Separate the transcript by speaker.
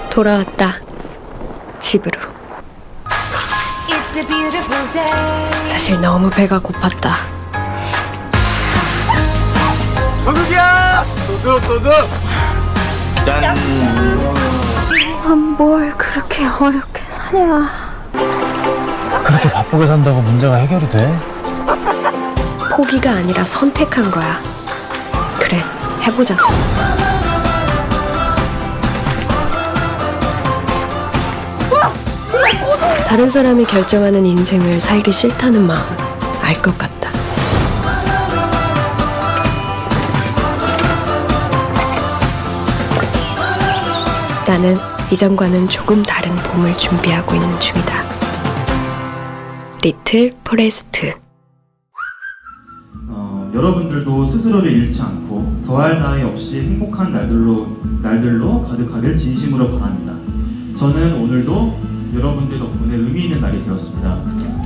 Speaker 1: 돌아왔다. 집으로. 사실 너무 배가 고팠다.
Speaker 2: 도둑이야! 도둑! 짠!
Speaker 1: 뭘 그렇게 어렵게 사냐.
Speaker 3: 그렇게 바쁘게 산다고 문제가 해결이 돼?
Speaker 1: 포기가 아니라 선택한 거야. 그래, 해보자. 다른 사람이 결정하는 인생을 살기 싫다는 마음 알 것 같다. 나는 이전과는 조금 다른 봄을 준비하고 있는 중이다. 리틀 포레스트.
Speaker 4: 여러분들도 스스로를 잃지 않고 더할 나위 없이 행복한 날들로 가득하길 진심으로 바랍니다. 저는 오늘도 여러분들 덕분에 의미 있는 날이 되었습니다.